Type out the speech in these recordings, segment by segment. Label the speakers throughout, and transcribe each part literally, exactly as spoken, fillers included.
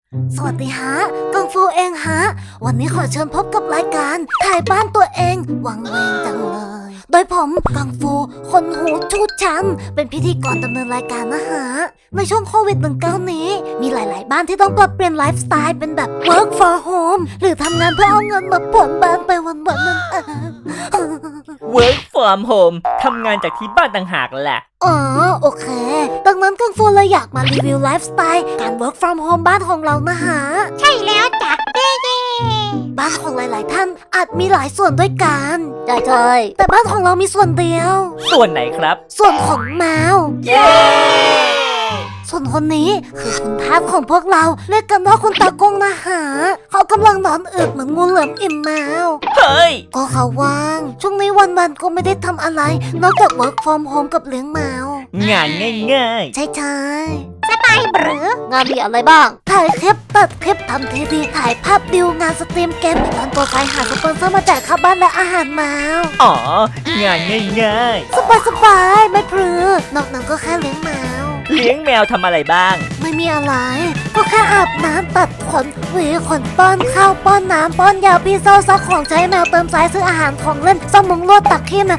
Speaker 1: สวัสดีฮะกังฟูเองฮะวันนี้ขอเชิญพบกับรายการถ่ายบ้านตัวเองวังเวงจังเลยโดยผมกังฟูคนหูชูดชันเป็นพิธีกรดำเนินรายการนะฮะในช่วงโควิด สิบเก้า นี้มีหลาย ๆ บ้านที่ต้องปรับเปลี่ยนไลฟ์สไตล์เป็นแบบ work for home หรือทำงานเพื่อเอาเงินมาผ่อนบ้านไปวันๆนั่นเอง
Speaker 2: work from home ทำงานจากที่บ้านต่างหากแหละ
Speaker 1: อ๋อโอเคดังนั้นกังฟูเลยอยากมารีวิวไลฟ์สไตล์การ work from home บ้านของเรานะฮะใช่แล้วจ้ะเย้บ้านของหลาย ๆ ท่านอาจมีหลายส่วนด้วยกันใช่ใช่แต่บ้านของเรามีส่วนเดียว
Speaker 2: ส่วนไหนครับ
Speaker 1: ส่วนของแมว
Speaker 2: เย้
Speaker 1: ส่วนคนนี้คือคุณทาสของพวกเราเรียกกันว่าคุณตากงนะฮะเขากำลังนอนอึเหมือนงูเหลือมอิ่มแมว
Speaker 2: เฮ้ย
Speaker 1: ก็เขาว่างช่วงนี้วันๆก็ไม่ได้ทำอะไรนอกจาก work from home กับเลี้ยงแมว
Speaker 2: งานง่าย
Speaker 1: ใช่ใช่สบายหรืองานมีอะไรบ้าง ถ่ายคลิปตัดคลิปทำทีวีถ่ายภาพดิวงานสตรีมเกมตอนตัวไฟหาสปอนเซอร์มาจ่ายค่าบ้านและอาหารแมว
Speaker 2: ๆอ๋องานง่าย
Speaker 1: สบายสบายไม่พรือนอกนั้นก็แค่เลี้ยงแมว
Speaker 2: ๆเลี้ยงแมวทำอะไรบ้าง
Speaker 1: ไม่มีอะไร ก็แค่อาบน้ำตัดขนหวีขนป้อนข้าวป้อนน้ำป้อนยาพี่เศร้าซักของใช้แมวเติมสายซื้ออาหารของเล่นซ่อมมุงลวดตักขี้แมว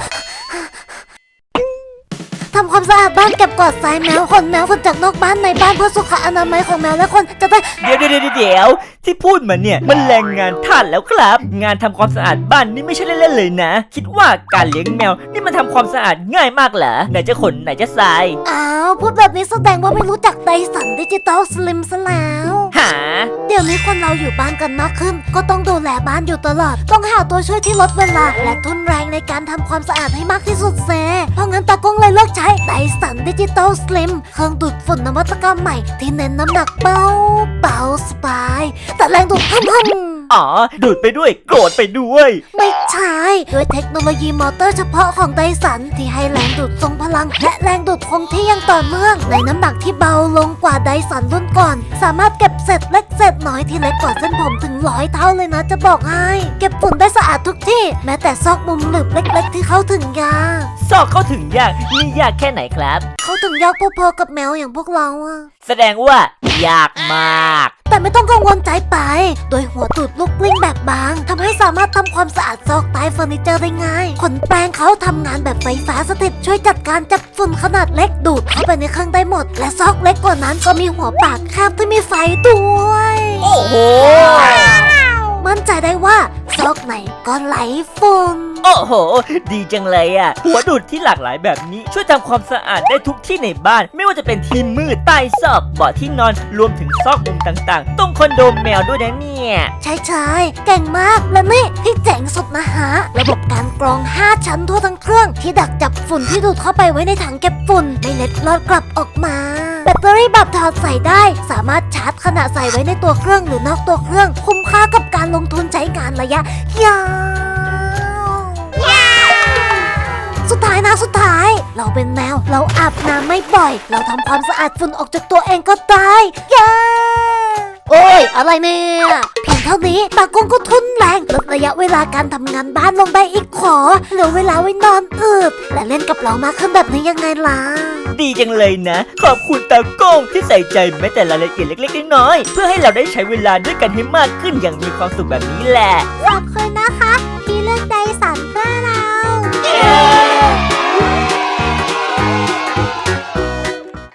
Speaker 1: ทำความสะอาดบ้านเก็บกวาดทรายแมวขนแมวขนจากนอกบ้านในบ้านเพื่อสุขอนามัยของแมวและคนจะได้
Speaker 2: เดี๋ยวเดี๋ยวเดี๋ยวที่พูดมาเนี่ยมันแรงงานท่านแล้วครับ งานทำความสะอาดบ้านนี่ไม่ใช่เล่นๆเลยนะ คิดว่าการเลี้ยงแมวนี่มันทำความสะอาดง่ายมากเหรอไหนจะขนไหนจะทราย
Speaker 1: อ้าวพูดแบบนี้แสดงว่าไม่รู้จักไดสันดิจิตอลสลิมซะแล้ว
Speaker 2: หา
Speaker 1: เดี๋ยวนี้คนเราอยู่บ้านกันมากขึ้น ก็ต้องดูแลบ้านอยู่ตลอด ต้องหาตัวช่วยที่ลดเวลา และทุนแรงในการทำความสะอาดให้มากที่สุดเซเพราะงั้นตากงเลยเลือกใช้ไดสันดิจิตอลสลิมเครื่องดูดฝุ่นนวัตกรรมใหม่ที่เน้นน้ำหนักเบาเบาสบายแต่แรงดูดฮึ่มๆ
Speaker 2: อ๋อดูดไปด้วยโกรธไปด้วย
Speaker 1: ไม่ใช่ด้วยเทคโนโลยีมอเตอร์เฉพาะของไดสันที่ให้แรงดูดทรงพลังและแรงดูดคงที่ยังต่อเนื่องในน้ำหนักที่เบาลงกว่าไดสันรุ่นก่อนสามารถเก็บเศษเล็กเศษน้อยที่เล็กกว่าเส้นผมถึงร้อยเท่าเลยนะจะบอกให้เก็บฝุ่นได้สะอาดทุกที่แม้แต่ซอกมุมหลืบเล็กๆที่เข้าถึงยาก
Speaker 2: ซอกเข้าถึงยากนี่ยากแค่ไหนครับ
Speaker 1: เข้าถึงยากพอๆกับแมวอย่างพวกเราอะ
Speaker 2: แสดงว่ายากมาก
Speaker 1: แต่ไม่ต้องกังวลใจไปโดยหัวดูดลูกกลิ้งแบบบางทำให้สามารถทำความสะอาดซอกใต้เฟอร์นิเจอร์ได้ง่ายขนแปรงเขาทำงานแบบไฟฟ้าสถิตช่วยจัดการจับฝุ่นขนาดเล็กดูดเข้าไปในเครื่องได้หมดและซอกเล็กกว่านั้นก็มีหัวปากแคบที่มีไฟด้วย
Speaker 2: โอ้โห
Speaker 1: มั่นใจได้ว่าซอกไหนก็ไหลฝุ่น
Speaker 2: โอ้โห ดีจังเลยอ่ะ หัวดูดที่หลากหลายแบบนี้ช่วยทำความสะอาดได้ทุกที่ในบ้าน ไม่ว่าจะเป็นที่มืดใต้ซอกเบาะที่นอนรวมถึงซอกมุมต่างๆตรงคอนโดแมวด้วยนะเนี่ย
Speaker 1: ใช่ใช่เก่งมากและนี่ที่เจ๋งสุดนะฮะระบบการกรองห้าชั้นทั่วทั้งเครื่องที่ดักจับฝุ่นที่ดูดเข้าไปไว้ในถังเก็บฝุ่นไม่เล็ดลอดกลับออกมาแบตเตอรี่แบบถอดใส่ได้สามารถชาร์จขณะใส่ไว้ในตัวเครื่องหรือนอกตัวเครื่องคุ้มค่ากับการลงทุนใช้งานระยะยาวสุดท้ายนะสุดท้ายเราเป็นแมวเราอาบน้ำไม่บ่อยเราทำความสะอาดฝุ่นออกจากตัวเองก็ได้เย้โอ้ยอะไรเนี่ยเพียงเท่านี้ตากงก็ทุนแรงลดระยะเวลาการทำงานบ้านลงได้อีกขอเหลือเวลาไว้นอนอืดและเล่นกับเรามากขึ้นแบบนี้ยังไงล่ะ
Speaker 2: ดีจังเลยนะ ขอบคุณตาโก้งที่ใส่ใจแม้แต่รายละเอียดเล็กๆน้อยๆเพื่อให้เราได้ใช้เวลาด้วยกันให้มากขึ้นอย่างมีความสุขแบบนี้แหละ
Speaker 1: ขอบคุณนะคะที่เลือกไดสันเพื่อเรา
Speaker 2: เย้